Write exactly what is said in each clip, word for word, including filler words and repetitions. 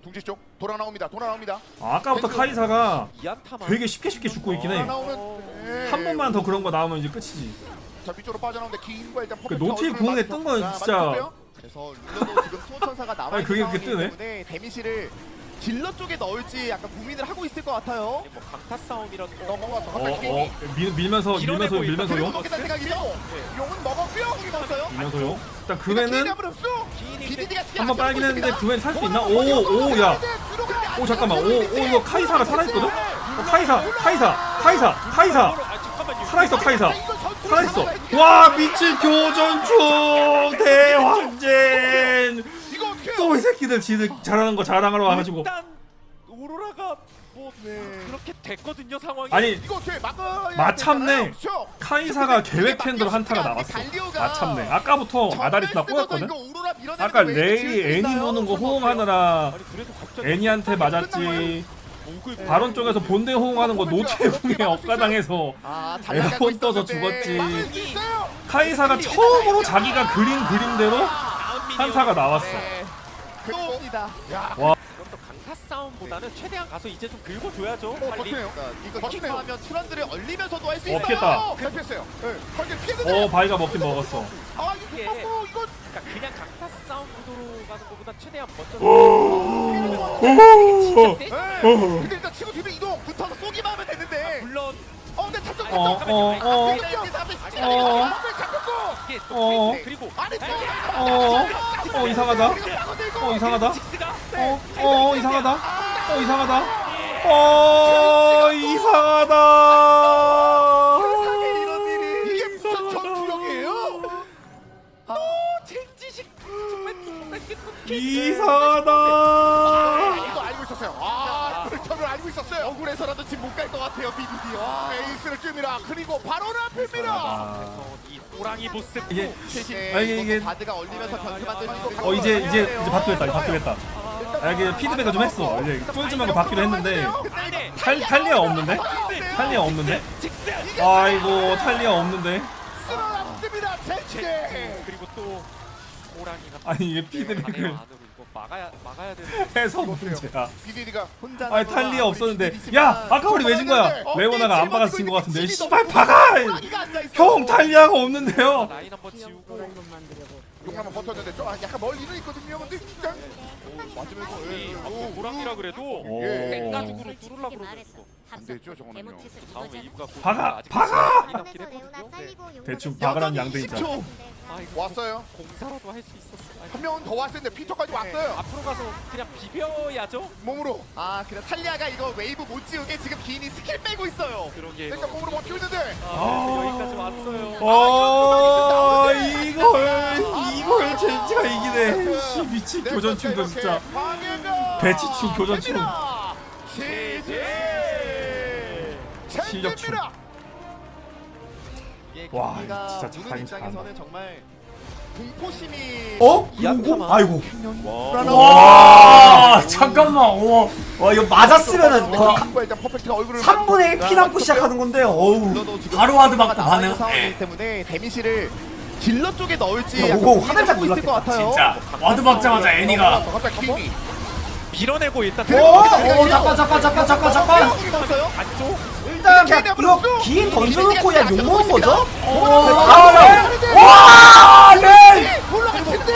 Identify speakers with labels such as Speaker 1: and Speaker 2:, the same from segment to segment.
Speaker 1: 둥지 쪽 돌아 나옵니다. 돌아 나옵니다.
Speaker 2: 아, 아까부터 카이사가
Speaker 3: 이안타만
Speaker 2: 되게 쉽게 쉽게 죽고 있긴 해.
Speaker 1: 돌아 나오는 예.
Speaker 2: 한 번만 더 그런 거 나오면 이제 끝이지.
Speaker 1: 자 위쪽으로 빠져나오는데 긴과 일단
Speaker 2: 그 노틸 궁에 뜬 건 진짜.
Speaker 4: 그래서 룰러도 지금 수호천사가 나와
Speaker 2: 아니,
Speaker 4: 있는
Speaker 2: 그게 그렇게
Speaker 4: 상황이기
Speaker 2: 뜨네?
Speaker 4: 때문에 데미지를 딜러 쪽에 넣을지 약간 고민을 하고 있을 것 같아요.
Speaker 3: 뭐 강타 싸움이라도
Speaker 1: 넘어가서
Speaker 2: 어,
Speaker 1: 갑자기
Speaker 2: 어, 밀, 밀면서 밀면서 밀면서
Speaker 1: 그리고
Speaker 2: 용,
Speaker 1: 먹겠다는 생각이죠. 용은 먹었고요.
Speaker 4: 공이 봤어요?
Speaker 2: 밀면서 용. 일단
Speaker 1: 기회는
Speaker 2: 그맨은
Speaker 1: 한번 없어. 비디디가
Speaker 2: 한 번 빨긴 했는데 그맨 살 수 있나? 오, 오, 야, 오 잠깐만, 오, 오 이거 카이사가 살아있거든? 어, 카이사, 카이사, 카이사, 카이사,
Speaker 3: 아 잠깐만요.
Speaker 2: 살아있어 카이사, 살아있어. 와 미친 교전충 대왕젠.
Speaker 1: 이거 어떻게?
Speaker 2: 또 이 새끼들 지들 잘하는 거 자랑하러 와가지고.
Speaker 3: 일단 오로라가 뭐 그렇게 됐거든요 상황이.
Speaker 2: 아니
Speaker 1: 이거 어떻게 막아?
Speaker 2: 마참내 카이사가 계획캔으로 한타가 나왔어. 마참내 아까부터 아다리스나 꼬였거든? 아까 레이 애니 노는 거 호응하느라
Speaker 3: 아니 그래도 갑자기
Speaker 2: 애니한테 맞았지.
Speaker 3: 목을
Speaker 2: 바론 쪽에서 본대 호응하는 거 노태웅에 억가당해서
Speaker 4: 아, 잘
Speaker 2: 에어컨 떠서
Speaker 4: 나가고
Speaker 2: 죽었지.
Speaker 4: 있었는데.
Speaker 2: 카이사가 처음으로 자기가 그린 그림대로 한타가 나왔어.
Speaker 4: 네. 그겁니다.
Speaker 2: 와.
Speaker 3: 이것도 강타 싸움보다는 최대한 가서 이제 좀 긁어줘야죠. 빨리.
Speaker 1: 버티네요.
Speaker 4: 이거
Speaker 1: 버티네요.
Speaker 4: 하면 트런들을 얼리면서도 할 수
Speaker 2: 어,
Speaker 4: 있어요.
Speaker 2: 피했다.
Speaker 1: 잘 피했어요. 예. 거기 피했는데.
Speaker 2: 어 바위가 먹긴 먹었어.
Speaker 1: 아 이거
Speaker 3: 이게-
Speaker 1: 어, 이거
Speaker 3: 그러니까 그냥 강타 싸움 구도로 가는 것보다 최대한 먼저.
Speaker 1: 예. 근데 일단 치고 뒤로 이동.
Speaker 4: 붙어서 쏘기만 하면 되는데.
Speaker 3: 물론
Speaker 1: 어, 근데 탑쪽
Speaker 2: 어, 어, 어, 어.
Speaker 1: 잡혔고.
Speaker 3: 이게 또
Speaker 2: 어.
Speaker 3: 페이스, 그리고
Speaker 1: 아니 또.
Speaker 2: 어, 어 이상하다. 어 이상하다.
Speaker 3: 직스가
Speaker 2: 어, 어 이상하다. 어 이상하다. 어 이상하다.
Speaker 1: 세상에 이런 일이. 이게 무슨 전투력이에요?
Speaker 3: 젠지식
Speaker 2: 이상하다.
Speaker 1: 이거 알고 있었어요. 아, 저를 알고 있었어요.
Speaker 4: 억울해서라도 지금 못 갈 것 같아요, 비비디.
Speaker 1: 아, 에이스를 뜹니다. 그리고 바로 앞입니다.
Speaker 2: 아,
Speaker 3: 이 호랑이 모습.
Speaker 2: 이게
Speaker 4: 대신
Speaker 2: 아, 이게- 이게-
Speaker 4: 바드가 얼리면서 변수 만들 수 있고.
Speaker 2: 어 이제 이제 이제 바뀌었다. 이제 바뀌었다. 아, 이게 피드백을 좀 했어. 이제 쫄지마가 바뀌려 했는데
Speaker 3: 아니
Speaker 2: 탈 탈리아 없는데? 탈리아 없는데? 아이고 탈리아 없는데?
Speaker 1: 쓸어놨습니다. 젠제.
Speaker 3: 그리고 또 호랑이가
Speaker 2: 아니 이게
Speaker 3: 안으로
Speaker 2: 피드백을
Speaker 3: 이거 막아야 막아야 되는.
Speaker 2: 해서 문제야.
Speaker 1: 비디디가
Speaker 4: 혼자
Speaker 2: 아니 탈리아 없었는데 야 아까 우리 왜 진 거야? 레오나가 안 박아서 진 거 같은데 씨발 박아! 형 탈리아가 없는데요.
Speaker 3: 라인 한번 지우고
Speaker 1: 용남은 버텼는데 좀 약간 멀리는 있거든요. 근데 그냥 맞으면서
Speaker 3: 이
Speaker 1: 오,
Speaker 3: 앞에 호랑이라 그래도
Speaker 2: 오.
Speaker 3: 생가죽으로 뚫으려 그러고
Speaker 1: 안 되죠, 저거는요.
Speaker 3: 다음 웨이브가 곧
Speaker 2: 박아!
Speaker 3: 아직
Speaker 2: 박아!
Speaker 3: 많이 남긴 했거든요. 네.
Speaker 2: 대충 박아란 양대이자.
Speaker 3: 아 이거
Speaker 1: 왔어요.
Speaker 3: 공사라도 할 수 있었어.
Speaker 1: 한 명은 더 왔을 텐데 피터까지 왔어요.
Speaker 3: 앞으로 가서 그냥 비벼야죠.
Speaker 1: 몸으로.
Speaker 4: 아, 그래 탈리아가 이거 웨이브 못 지우게 지금 기인이 스킬 빼고 있어요.
Speaker 3: 그러게.
Speaker 1: 일단 몸으로 버티고 있는데.
Speaker 3: 아, 여기까지 왔어요.
Speaker 2: 어 이걸 이걸 젠지가 이기네. 씨 미친 교전충도 진짜. 배치충 교전충. 실력충.
Speaker 4: 이게
Speaker 2: 와,
Speaker 4: 경기가
Speaker 2: 진짜
Speaker 4: 보는
Speaker 2: 잘하긴
Speaker 4: 입장에서는
Speaker 2: 잘한다.
Speaker 4: 정말 공포심이
Speaker 5: 어?
Speaker 3: 이안타만.
Speaker 5: 아이고.
Speaker 3: 와.
Speaker 5: 와 잠깐만. 와, 와 이거 맞았으면은 거
Speaker 1: 일단 퍼펙트가 얼굴을
Speaker 5: 삼분의 일 피 남고 시작하는 건데. 어우. 바로 와드 맞고 가네요.
Speaker 4: 상황이기 때문에 데미지를 딜러 쪽에 넣을지
Speaker 5: 야,
Speaker 4: 약간
Speaker 5: 오고
Speaker 4: 고민을
Speaker 5: 화들짝
Speaker 4: 하고 있을 것
Speaker 5: 놀랐겠다,
Speaker 4: 같아요.
Speaker 5: 진짜. 와드 박자마자 애니가.
Speaker 1: 갑자기 킹이.
Speaker 3: 밀어내고 일단
Speaker 5: 오, 오 잠깐 잠깐 잠깐 잠깐 잠깐.
Speaker 4: 봤어요?
Speaker 3: 안쪽.
Speaker 5: 일단 그냥 이거 긴 던져놓고 그냥 욕 먹은 거죠? 아, 네. 와, 네.
Speaker 1: 올라갈 텐데.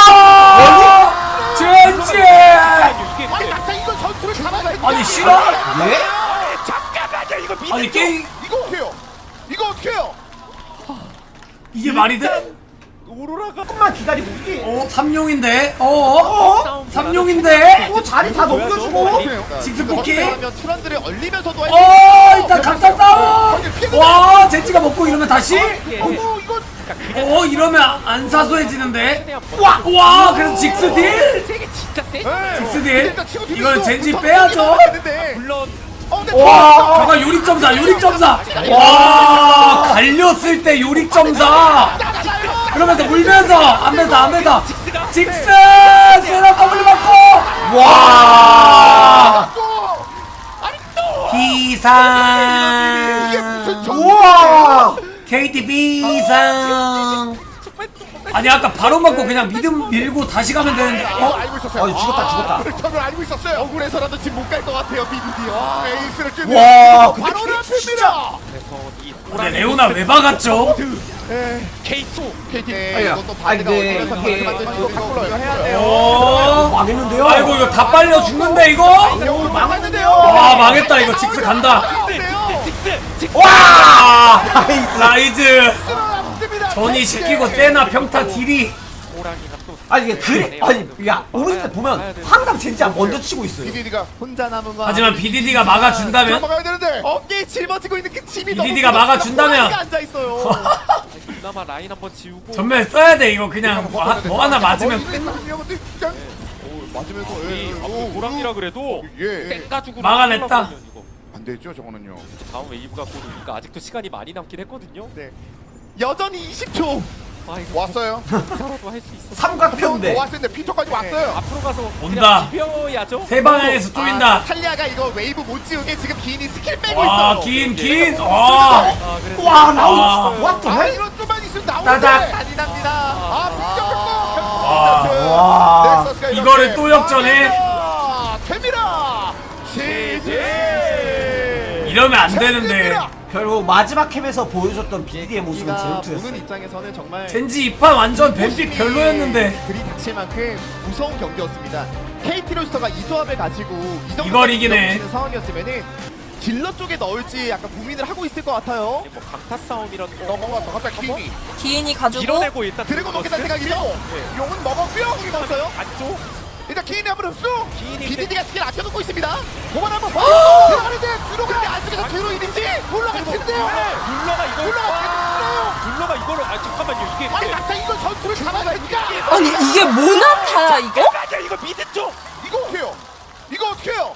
Speaker 5: 와, 젠지.
Speaker 3: 이게
Speaker 1: 아니 막상 이걸 전투를 잡아야 돼.
Speaker 5: 아니 싫어? 예?
Speaker 3: 잠깐만요. 이거 미.
Speaker 5: 아니 게임
Speaker 1: 이거 어떻게 해요? 이거 어떻게 해요?
Speaker 5: 이게 말이 돼?
Speaker 3: 오로라가
Speaker 5: 조금만 기다리고 이게. 어, 삼룡인데. 어? 어? 삼룡인데. 또 자리 다 넘겨주고. 직스 뽑기.
Speaker 4: 하면 트런들을 얼리면서도 할 수
Speaker 5: 어, 일단 강타 싸움. 와, 젠지가 먹고 이러면 다시.
Speaker 1: 어 이거
Speaker 5: 어, 이러면 안 사소해지는데. 와, 와, 그래서 직스 딜.
Speaker 3: 세게 진짜 세.
Speaker 5: 직스 딜.
Speaker 1: 일단 치고 뒤로
Speaker 5: 이걸
Speaker 1: 있어.
Speaker 5: 젠지
Speaker 1: 붙어
Speaker 5: 빼야죠.
Speaker 1: 있는데.
Speaker 3: 물론
Speaker 1: 어 근데
Speaker 5: 와, 잠깐 요리점사, 요리점사. 와, 갈렸을 때 요리점사. 그러면서 물면서 안면서 안면서 직스 세라 더블 맞고. 와, 비상.
Speaker 1: 이게 무슨 정-
Speaker 5: 우와, 케이티 비상.
Speaker 6: 아니 아까 바로 맞고 그냥 믿음 밀고 다시 가면 되는데.
Speaker 1: 어?
Speaker 6: 어?
Speaker 1: 알고 있었어요.
Speaker 5: 아, 죽었다, 죽었다.
Speaker 1: 저를 알고 있었어요.
Speaker 4: 억울해서라도 지금 못 갈 것 같아요 비비디. 와
Speaker 1: 에이스를
Speaker 5: 와,
Speaker 1: 쫓는
Speaker 5: 근데
Speaker 1: 바로
Speaker 5: 케이티 진짜.
Speaker 1: 앞입니다.
Speaker 3: 그래서 이
Speaker 6: 근데 레오나 왜 박았죠?
Speaker 3: 케이투
Speaker 1: 케이티.
Speaker 4: 네,
Speaker 5: 아니야.
Speaker 4: 이것도
Speaker 5: 아니,
Speaker 4: 바드가
Speaker 5: 근데
Speaker 4: 어디서
Speaker 5: 이게-
Speaker 4: 바드 만들고
Speaker 1: 이거
Speaker 4: 이거 이거 해야 돼요.
Speaker 6: 어.
Speaker 5: 망했는데요?
Speaker 6: 아이고 이거 다 빨려 죽는데 이거?
Speaker 5: 오, 망했는데요?
Speaker 6: 와 망했다 이거 직스 간다.
Speaker 3: 직스 직스
Speaker 6: 와
Speaker 5: 나이스.
Speaker 6: 라이즈
Speaker 1: 앞입니다.
Speaker 6: 전이 시키고 세나 평타 딜이.
Speaker 3: 호랑이가 또
Speaker 5: 아니 이게 그래 아니 야 오른쪽 보면 항상 젠지가 먼저 치고 있어요.
Speaker 1: 비디디가
Speaker 4: 혼자 남은 거.
Speaker 6: 하지만 비디디가 막아준다면
Speaker 1: 막아야 되는데.
Speaker 4: 어깨에 짊어지고 있는 그 짐이
Speaker 6: 비디디가 막아준다면.
Speaker 4: 앉아 있어요.
Speaker 3: 그나마 라인 한번 지우고
Speaker 6: 전멸 써야 돼 이거 그냥 뭐, 하- 뭐 하나 맞으면 끝.
Speaker 1: 맞으면서
Speaker 3: 이
Speaker 1: 예,
Speaker 3: 앞으로
Speaker 1: 오,
Speaker 3: 호랑이라 그래도
Speaker 1: 예.
Speaker 3: 쌩가죽으로
Speaker 6: 막아냈다.
Speaker 3: 뚫어버리면 이거.
Speaker 1: 안 되죠 저거는요.
Speaker 3: 다음 웨이브가 곧 오니까 아직도 시간이 많이 남긴 했거든요.
Speaker 4: 네. 여전히 이십 초.
Speaker 3: 아 이거
Speaker 1: 왔어요.
Speaker 3: 기사라도 할 수 있어.
Speaker 5: 삼각편인데.
Speaker 1: 더 왔는데 피터까지 왔어요.
Speaker 3: 앞으로 가서
Speaker 6: 온다.
Speaker 3: 그냥 비벼야죠.
Speaker 6: 세 방향에서 쪼인다.
Speaker 4: 아, 탈리아가 이거 웨이브 못 지우게 지금 기인이 스킬 빼고
Speaker 6: 와
Speaker 4: 있어요.
Speaker 6: 긴 긴. 와.
Speaker 3: 아, 그래서
Speaker 5: 와
Speaker 6: 아.
Speaker 5: 나우. what the
Speaker 1: 아
Speaker 5: hell?
Speaker 1: 이런 좀만 있으면
Speaker 6: 따닥.
Speaker 1: 나오는데.
Speaker 4: 잔인합니다.
Speaker 1: 아 빅격했고.
Speaker 5: 와.
Speaker 1: 넥서스가 이렇게
Speaker 6: 이거를 또 역전해?
Speaker 1: 방해가 됩니다. 지지.
Speaker 6: 이러면 안 되는데.
Speaker 1: 됩니다.
Speaker 5: 결국 마지막 캠에서 보여줬던 비디의 모습은
Speaker 4: 우리가 보는
Speaker 5: 제로투였어요.
Speaker 4: 입장에서는 정말
Speaker 6: 젠지 이판 완전 뱀픽 별로였는데.
Speaker 4: 들이닥칠 만큼 무서운 경기였습니다. 케이티 로스터가 이 조합을 가지고 이 정도
Speaker 6: 이걸 이기네.
Speaker 4: 상황이었으면은 딜러 쪽에 넣을지 약간 고민을 하고 있을 것 같아요.
Speaker 3: 뭐 강타 싸움이라는 거
Speaker 1: 넘어갔다 갑자기 킹이
Speaker 7: 기인이 가지고
Speaker 3: 밀어내고 일단
Speaker 4: 드래곤 먹겠다는
Speaker 3: 들어갔어요.
Speaker 4: 생각이죠.
Speaker 1: 용은 먹었고요.
Speaker 4: 공이 넣었어요.
Speaker 3: 안쪽
Speaker 1: 일단 기인이 한번 흡수.
Speaker 3: 기인이
Speaker 4: 비디디가 스킬 아껴놓고 있습니다.
Speaker 1: 고만 한번 들어가는데 뒤로 가는데 안쪽에서 뒤로 이리지 올라갔는데요.
Speaker 3: 룰러가 이걸
Speaker 1: 올라가
Speaker 3: 룰러가 이거를 아 잠깐만요 이게
Speaker 1: 아니 막상 이걸 전투를 잡아내니까
Speaker 7: 아니 이게 모나타야 이거?
Speaker 3: 맞아 이거 미드 쪽
Speaker 1: 이거 어떻게 해요? 이거 어떻게 해요?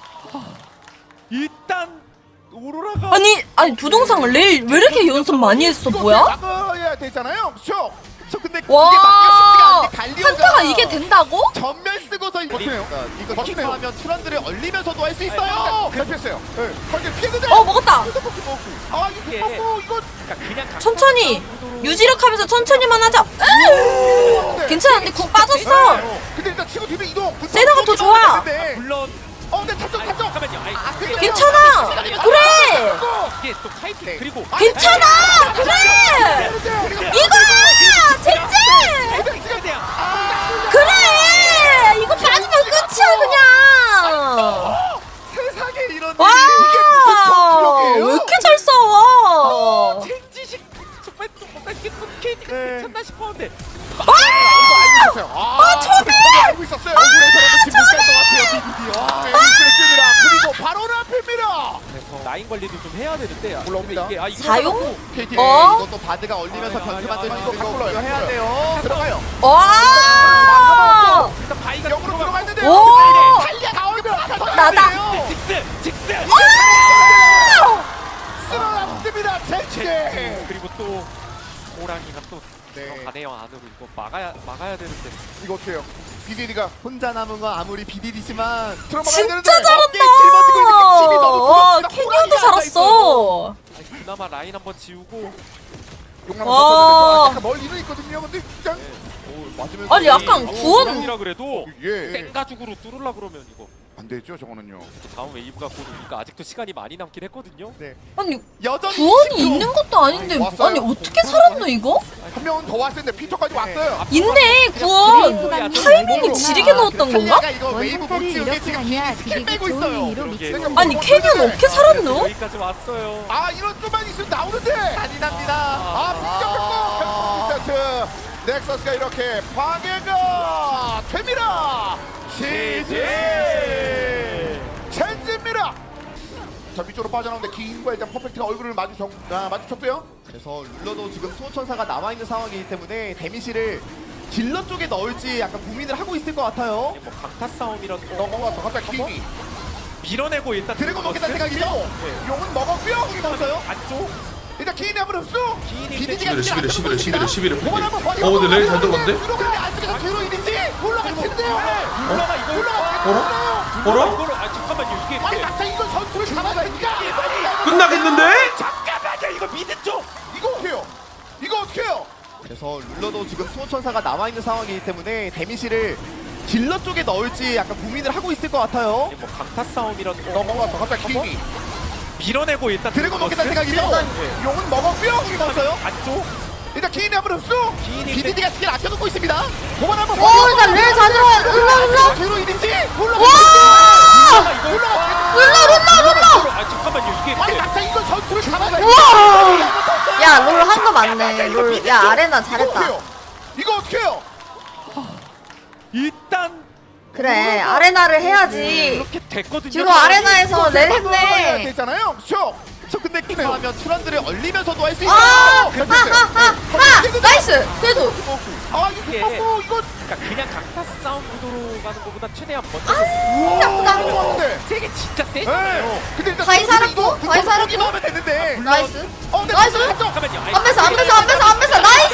Speaker 3: 일단 오로라가
Speaker 7: 아니 아니 두 동상 레일 왜 이렇게 연습 많이 했어
Speaker 1: 이거
Speaker 7: 뭐야?
Speaker 1: 막아야 되잖아요. 그렇죠?
Speaker 4: 저 근데
Speaker 7: 와
Speaker 4: 이게 막기가 쉽지가 않은데 갈리오가
Speaker 7: 한타가 이게 된다고?
Speaker 4: 전멸 쓰고서 이거
Speaker 1: 버티네요.
Speaker 4: 이거
Speaker 1: 버티네요.
Speaker 4: 하면 트런드를 얼리면서도 할 수 있어요.
Speaker 1: 대피했어요. 네. 거기 피했는데.
Speaker 7: 어 먹었다.
Speaker 1: 아 이거 먹고 이거
Speaker 3: 그러니까 그냥 강타
Speaker 7: 천천히
Speaker 3: 싸움으로
Speaker 7: 유지력하면서 천천히만 하자. 으으으. 괜찮은데 궁 빠졌어.
Speaker 1: 근데 일단 치고 뒤로 이동.
Speaker 7: 세나가 더 좋아.
Speaker 1: 근데
Speaker 3: 물론
Speaker 1: 어 근데 탑쪽
Speaker 3: 아니,
Speaker 1: 탑쪽.
Speaker 3: 잠깐만요 아니,
Speaker 1: 아,
Speaker 3: 그게-
Speaker 7: 괜찮아. 그래.
Speaker 3: 이게 또 카이팅 그리고
Speaker 7: 괜찮아. 그래. 이거야 젠지.
Speaker 3: 최대한
Speaker 7: 그래. 이거 빠지면 끝이야 그냥.
Speaker 4: 세상에 이런
Speaker 7: 와.
Speaker 1: 이게 무슨 전투력이에요?
Speaker 7: 왜 이렇게 잘 싸워?
Speaker 3: 젠지식 정말 또 뭔가 이게 또 케이티가
Speaker 1: 네.
Speaker 3: 괜찮나 싶었는데
Speaker 1: 이거 알고 있었어요. 아,
Speaker 7: 초비!
Speaker 1: 알고 있었어요. 억울해서라도 지금 못갈 것 같아요. 비비디. 아, 에이스를 씁니다. 그리고 바로 앞입니다.
Speaker 3: 그래서 라인 관리도 좀 해야 되는데
Speaker 1: 올라옵니다.
Speaker 3: 근데 이게 아 이거
Speaker 7: 사용?
Speaker 1: 케이티.
Speaker 7: 어?
Speaker 4: 이것도 바드가 얼리면서
Speaker 3: 아,
Speaker 4: 변수
Speaker 3: 아,
Speaker 4: 만들고
Speaker 3: 아,
Speaker 4: 이거
Speaker 1: 이거
Speaker 4: 이거
Speaker 1: 바꿔요.
Speaker 4: 해야 돼요.
Speaker 1: 들어가요.
Speaker 7: 와.
Speaker 3: 일단 바이가
Speaker 1: 역으로 들어갔는데.
Speaker 7: 오.
Speaker 1: 달리야 나오면
Speaker 7: 나다.
Speaker 3: 직스 직스
Speaker 1: 쓸어놨습니다. 젠지.
Speaker 3: 그리고 또 호랑이가 또
Speaker 1: 네.
Speaker 3: 들어가네요 안으로 이거 막아야 막아야 되는데
Speaker 1: 이거 어때요? 비디디가
Speaker 4: 혼자 남은 건 아무리 비디디지만
Speaker 1: 들어가야
Speaker 7: 진짜
Speaker 1: 되는데.
Speaker 4: 어깨에 짊어지고 있는 그 짐이 너무
Speaker 7: 잘한다.
Speaker 4: 무겁습니다.
Speaker 7: 캐니언도
Speaker 4: 호랑이가
Speaker 7: 살았어.
Speaker 3: 아니, 그나마 라인 한번 지우고
Speaker 1: 용남
Speaker 7: 와.
Speaker 1: 약간 멀리는 있거든요. 근데 그냥
Speaker 3: 오, 맞으면서
Speaker 7: 아니 약간
Speaker 3: 이-
Speaker 7: 구원.
Speaker 3: 호랑이라 그래도
Speaker 1: 예.
Speaker 3: 쌩가죽으로 뚫으려 그러면 이거
Speaker 1: 안 되죠. 저거는요.
Speaker 3: 다음 웨이브가 곧 오니까 아직도 시간이 많이 남긴 했거든요.
Speaker 7: 아니
Speaker 4: 여전히
Speaker 7: 구원이
Speaker 4: 이십 초.
Speaker 7: 있는 것도 아닌데
Speaker 1: 왔어요.
Speaker 7: 아니 어떻게 살았노 이거?
Speaker 1: 한 명은 더 왔을 텐데 피터까지 왔어요.
Speaker 7: 있네 구원. 타이밍이 지리게 넣었던 건가?
Speaker 4: 탈리아가 이거 웨이브 못 지우게 지금 기인이 스킬 빼고 있어요.
Speaker 3: 그러게.
Speaker 7: 아니 캐니언 어떻게 살았노?
Speaker 3: 여기까지 왔어요.
Speaker 1: 아 이런 좀만 있으면 나오는데.
Speaker 4: 잔인합니다.
Speaker 1: 아 빅격했고 세트. 넥서스가 이렇게 방해가 됩니다. 지지. 젠지입니다. 자 위쪽으로 빠져나오는데 기인과 일단 퍼펙트가 얼굴을 마주쳤, 아, 마주쳤고요.
Speaker 4: 그래서 룰러도 지금 수호천사가 남아 있는 상황이기 때문에 데미지를 딜러 쪽에 넣을지 약간 고민을 하고 있을 것 같아요.
Speaker 3: 이게 뭐 강타 싸움이라는 거
Speaker 1: 넘어가서 갑자기 기인이
Speaker 3: 밀어내고 일단
Speaker 4: 드래곤 먹겠다는
Speaker 3: 들어갔어요.
Speaker 4: 생각이죠.
Speaker 1: 용은 먹었고요.
Speaker 4: 공이 넣었어요.
Speaker 3: 안쪽
Speaker 1: 일단 기인이 한번 흡수.
Speaker 3: 기인이
Speaker 4: 비디디가
Speaker 8: 십일 일 십일 일 십일 일 십일 일
Speaker 1: 공을 한번 버리고
Speaker 8: 어 근데 레일 잘 들어갔는데?
Speaker 1: 뒤로 가는데 안쪽에서 뒤로 이리지 올라갔는데요.
Speaker 3: 룰러가 이걸
Speaker 8: 어라?
Speaker 3: 룰러가
Speaker 8: 어라?
Speaker 3: 이거를 아 잠깐만요 이게
Speaker 1: 아니 막상 이걸 전투를 잡아내니까
Speaker 8: 끝나겠는데?
Speaker 3: 잠깐만요 이거 미드 쪽
Speaker 1: 이거 어떻게 해요? 이거 어떻게 해요?
Speaker 4: 그래서 룰러도 지금 수호천사가 남아있는 상황이기 때문에 데미지를 딜러 쪽에 넣을지 약간 고민을 하고 있을 것 같아요.
Speaker 3: 뭐 강타 싸움이란
Speaker 1: 넘어갔어 갑자기 킹이
Speaker 3: 밀어내고 일단
Speaker 4: 드래곤 먹겠다는 생각이 일단 용은 먹었고요. 이 먹었어요.
Speaker 3: 안쪽
Speaker 4: 일단 기인이 한번 흡수.
Speaker 3: 기인이
Speaker 4: 비디디가 스킬 아껴놓고 있습니다. 도만 한번.
Speaker 7: 오, 일단 레 자들어. 룰라, 룰라.
Speaker 4: 뒤로 이리지. 올라가.
Speaker 7: 와!
Speaker 4: 올라가.
Speaker 7: 룰라, 룰라, 룰라.
Speaker 3: 아 잠깐만요 이게
Speaker 4: 아니 낙타 이거 전투를 잡아가야
Speaker 7: 우와! 야, 롤 한 거 맞네. 롤. 야, 아레나 잘했다.
Speaker 4: 이거 어떻게 해요?
Speaker 3: 일단
Speaker 7: 그래, 아레나를 해야지.
Speaker 3: 이렇게 됐거든요.
Speaker 7: 뒤로 아레나에서 렐 했네.
Speaker 4: 되잖아요. 그렇죠? 저 근데 하면 트런들을 얼리면서도 할 수
Speaker 7: 아!
Speaker 4: 있어요.
Speaker 7: 하, 하, 하, 하! 나이스! 그래도.
Speaker 4: 아 이거 뭐 이거
Speaker 3: 그러니까 그냥 강타 싸움 구도로 가는 것보다 최대한 먼저
Speaker 7: 나쁘다.
Speaker 4: 좋았는데.
Speaker 3: 세게 진짜 세.
Speaker 4: 네. 근데 일단
Speaker 7: 다이 살았고,
Speaker 4: 이거
Speaker 7: 다이 살았고.
Speaker 4: 붙어보기만 하면 되는데.
Speaker 7: 나이스.
Speaker 4: 어, 근데
Speaker 7: 나이스.
Speaker 3: 잠깐만요. 아니,
Speaker 7: 안 뺏어, 안 뺏어, 안 뺏어, 안 뺏어. 나이스!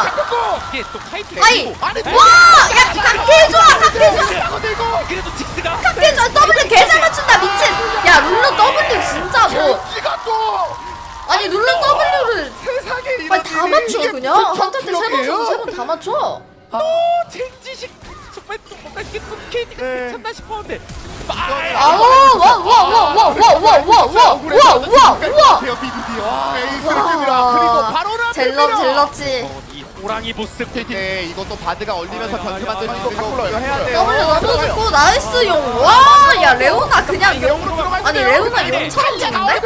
Speaker 3: 이게 또 카이트.
Speaker 7: 아이!
Speaker 4: 아니
Speaker 7: 와! 야, 각해 좋아, 각해 좋아.
Speaker 4: 근데 이거
Speaker 3: 그래도 직스가
Speaker 7: 각해 좋아. 더블 개잘 맞춘다, 미친. 야, 룰러 W 진짜 뭐.
Speaker 4: 젠지가 또
Speaker 7: 아니, 룰러 W를.
Speaker 4: 세상에 이런
Speaker 7: 아니, 다
Speaker 4: 일이.
Speaker 7: 맞춰,
Speaker 4: 이게
Speaker 7: 그냥.
Speaker 4: 무슨
Speaker 7: 한타 때 세 번
Speaker 4: 전투력이에요?
Speaker 7: 쳐서 세 번 다 맞춰.
Speaker 3: 또 젠지식 정말 또 뭔가 이게 또 케이티가
Speaker 4: 네.
Speaker 3: 괜찮나 싶었는데
Speaker 7: 아우, 와, 와, 와, 와, 와, 와, 와, 와, 와, 와, 와.
Speaker 4: 비비디. 와, 에이스를
Speaker 7: 와.
Speaker 4: 뜹니다. 그리고 바로는
Speaker 7: 젤럽, 젤럽지.
Speaker 3: 어, 이 호랑이 보스
Speaker 4: 네, 이것도 바드가 얼리면서
Speaker 3: 아,
Speaker 4: 변수
Speaker 3: 야,
Speaker 4: 만들고
Speaker 3: 야,
Speaker 4: 이거
Speaker 3: 야,
Speaker 4: 바꾸러
Speaker 3: 이거
Speaker 4: 해야 돼요.
Speaker 7: 더블 너무 좋고, 나이스 용. 와, 야, 레오나 그냥 용.
Speaker 4: 영으로 들어갈
Speaker 7: 아니,
Speaker 4: 때요.
Speaker 7: 레오나 용처럼 주는데?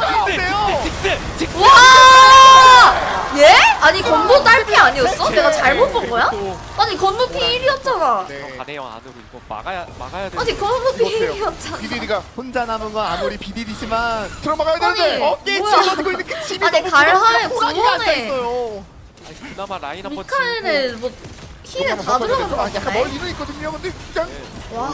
Speaker 3: 직스 직스 직스
Speaker 7: 와! 예? 아니, 건보 딸피 아니었어? 내가 잘못 본 거야? 아니, 건보 피 일이었잖아.
Speaker 4: 네.
Speaker 3: 가네요 안으로 이거 막아야 막아야 돼.
Speaker 7: 아니, 건보 피 일이었잖아.
Speaker 4: 비디디가 혼자 남은 건 아무리 비디디지만 들어막아야
Speaker 7: 아니,
Speaker 4: 되는데 어깨에
Speaker 7: 뭐야.
Speaker 4: 쥐어지고 있는 그 침이
Speaker 7: 아니,
Speaker 4: 너무
Speaker 7: 갈하에
Speaker 4: 호랑이가
Speaker 7: 구원해.
Speaker 4: 앉아있어요.
Speaker 3: 그나마 라인 한번
Speaker 7: 미카엘은 뭐 힐에 다 들어간 거
Speaker 4: 약간
Speaker 7: 같네.
Speaker 4: 멀리는 있거든요. 근데 그냥
Speaker 7: 와.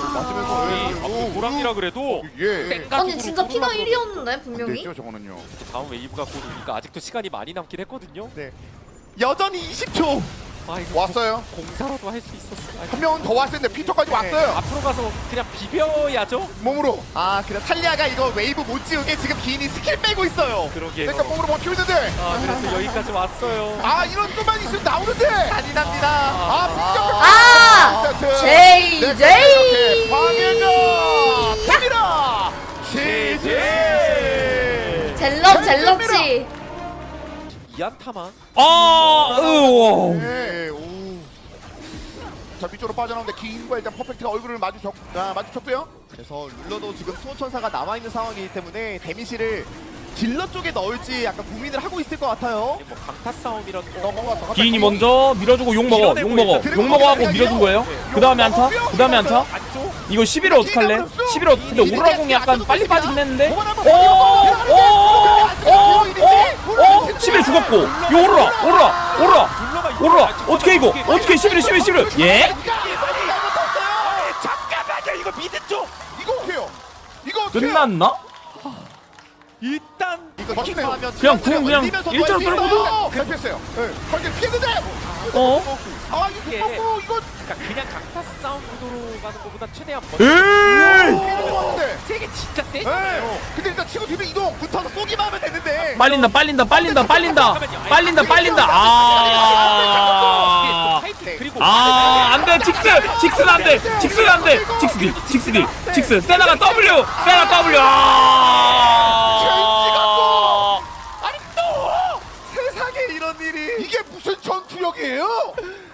Speaker 3: 오, 호랑이라 그래도
Speaker 1: 예
Speaker 3: 생각으로
Speaker 7: 아니, 진짜 피가 일이었는데, 분명히.
Speaker 1: 됐죠 저거는요
Speaker 3: 다음 웨이브가 곧 오니까 아직도 시간이 많이 남긴 했거든요.
Speaker 4: 네. 여전히 이십 초.
Speaker 3: 아 이거
Speaker 1: 왔어요
Speaker 3: 공사로도 할 수 있었어. 아,
Speaker 1: 한 명은 더 왔을 텐데 피터까지
Speaker 4: 네.
Speaker 1: 왔어요
Speaker 3: 앞으로 가서 그냥 비벼야죠.
Speaker 1: 몸으로
Speaker 4: 아, 그래 탈리아가 이거 웨이브 못 지우게 지금 기인이 스킬 빼고 있어요.
Speaker 3: 그러게.
Speaker 1: 그러니까 몸으로 버티고 있는데
Speaker 3: 아 그래서 여기까지 왔어요.
Speaker 1: 아 이런 것만 있으면 나오는데
Speaker 4: 잔인합니다.
Speaker 1: 아
Speaker 7: 아!
Speaker 1: 세트.
Speaker 7: 제이,
Speaker 1: 네,
Speaker 7: 제이!
Speaker 1: 이렇게 방해가 됩니다 제제
Speaker 7: 젤럽, 젤럽지.
Speaker 3: 이안타만.
Speaker 2: 아, 으,
Speaker 1: 네, 오. 자 위쪽으로 빠져나오는데 기인과 일단 퍼펙트가 얼굴을 마주쳤, 아, 마주쳤고요
Speaker 4: 그래서 룰러도 지금 수호천사가 남아있는 상황이기 때문에 데미지를 딜러 쪽에 넣을지 약간 고민을 하고 있을 것 같아요.
Speaker 3: 뭐 강타 싸움이란
Speaker 1: 넘어갔어
Speaker 2: 기인이 먼저 밀어주고 욕 먹어, 욕 먹어, 욕 먹어 하고 밀어준 거예요. 그 다음에 안타, 그 다음에 안타.
Speaker 3: 안쪽.
Speaker 2: 이거 십일을 어떡할래? 십일 어떻게 근데 오로라 공이 약간 빨리 빠지긴 했는데.
Speaker 4: 어,
Speaker 2: 오, 오, 오, 오, 오, 십일 죽었고. 이 오로라, 오로라, 오로라, 오로라. 어떻게 이거? 어떻게 십일, 십일, 십일? 예?
Speaker 3: 잠깐만요 이거 미드 쪽.
Speaker 1: 이거 어때요? 이거 어때요?
Speaker 2: 끝났나?
Speaker 3: 일단
Speaker 4: 이거
Speaker 1: 멋지네요.
Speaker 4: 하면
Speaker 2: 그냥 궁 그냥 일자로 끌고도?
Speaker 1: 그냥 피했어요 네. 거기를 피했는데
Speaker 2: 어?
Speaker 1: 아 이거
Speaker 3: 이게-
Speaker 1: 어, 이거
Speaker 3: 그러니까 그냥 강타 싸움 구도로 가는 것보다 최대한 먼저
Speaker 2: 에이!
Speaker 1: 좋았는데
Speaker 3: 세게 진짜 세.
Speaker 1: 네. 근데 일단 치고 뒤로 이동
Speaker 4: 붙어서 쏘기만 하면 되는데.
Speaker 2: 빨린다, 빨린다, 빨린다, 빨린다, 빨린다, 빨린다. 아,
Speaker 3: 그리고
Speaker 2: 아, 안 돼, 직스, 직스는 안 돼, 직스는 안 돼, 직스 딜, 직스 딜, 직스, 세나가 W, 세나 W. 아,
Speaker 1: 아니 또 세상에 이런 일이 이게 무슨 전투력이에요?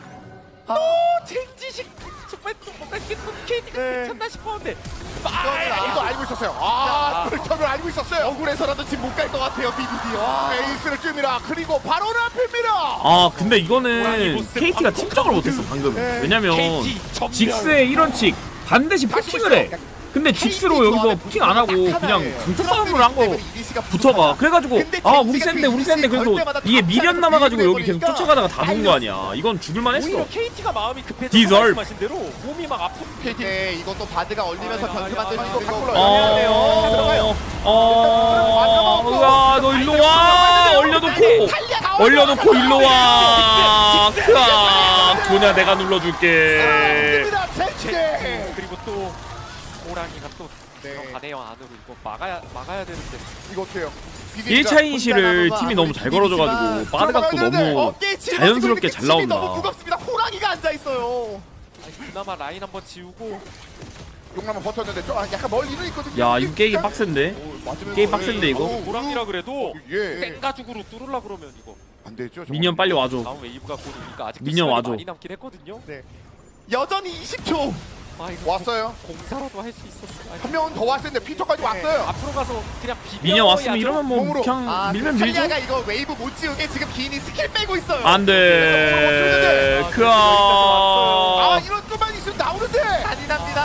Speaker 3: 젠지식 정말 또 뭔가 이게 또 케이티가
Speaker 4: 네.
Speaker 3: 괜찮나 싶었는데
Speaker 1: 아, 이거 알고 있었어요. 아, 그렇다면 알고 있었어요.
Speaker 4: 억울해서라도 지금 못 갈 것 같아요, 비디디.
Speaker 1: 아, 에이스를 뜹니다. 그리고 바로 앞입니다.
Speaker 2: 아, 근데 이거는 케이티가 침착을 못했어 방금. 왜냐면 직스의 일원칙 반드시 포킹을 해. 근데 직스로 여기서 포킹 안 하고 그냥 강타 싸움을 한 거 붙어가. 그래가지고 아 우리 센데 우리 센데 그래서 이게 미련 남아가지고 여기 계속 쫓아가다가 다 본 거 아니야. 이건 죽을만 했어.
Speaker 3: 오히려 케이티가 마음이 급해서
Speaker 2: 디설브.
Speaker 3: 말씀하신 대로 몸이 막 아프.
Speaker 4: 네, 이것도 바드가 얼리면서 변수 만들 수 있는 거.
Speaker 2: 어, 어, 으아, 너 일로 와. 얼려놓고, 얼려놓고 일로 와. 크아, 도냐 내가 눌러줄게.
Speaker 1: 젠지.
Speaker 3: 그리고 또 호랑이가 또
Speaker 4: 네.
Speaker 3: 들어가네요 안으로. 이거 막아야 막아야 되는데.
Speaker 4: 이거 어때요?
Speaker 2: 일 차 이니시를 팀이 너무 잘 걸어줘가지고 바드각도 너무 자연스럽게 잘 나온다.
Speaker 4: 너무 무겁습니다. 호랑이가 앉아 있어요.
Speaker 3: 아니, 그나마 라인 한번 지우고.
Speaker 1: 용남은 버텼는데 좀 약간 멀리는 있거든요.
Speaker 2: 야 이거 게임 빡센데? 게임 빡센데 이거?
Speaker 3: 호랑이라 그래도
Speaker 1: 예.
Speaker 3: 생가죽으로 뚫으려 그러면 이거
Speaker 1: 안 되죠. 저거.
Speaker 2: 미니언 빨리 와줘.
Speaker 3: 다음 웨이브가 곧 오니까 아직
Speaker 2: 미니언 와줘.
Speaker 3: 많이 남긴 했거든요.
Speaker 4: 네. 여전히 이십 초.
Speaker 3: 아 이거
Speaker 1: 왔어요.
Speaker 3: 공사라도 할 수 있었어.
Speaker 1: 한 명은 더 왔을 텐데 피터까지 왔어요.
Speaker 3: 앞으로 가서 그냥 비벼.
Speaker 2: 미니언 왔으면 이러면 뭐
Speaker 1: 몸으로.
Speaker 2: 그냥
Speaker 4: 아,
Speaker 2: 밀면
Speaker 4: 그
Speaker 2: 밀죠?
Speaker 4: 탈리아가 이거 웨이브 못 지우게 지금 기인이 스킬 빼고 있어요.
Speaker 2: 안돼
Speaker 1: 아,
Speaker 2: 그아
Speaker 1: 이런 것만 있으면 나오는데.
Speaker 4: 잔인합니다.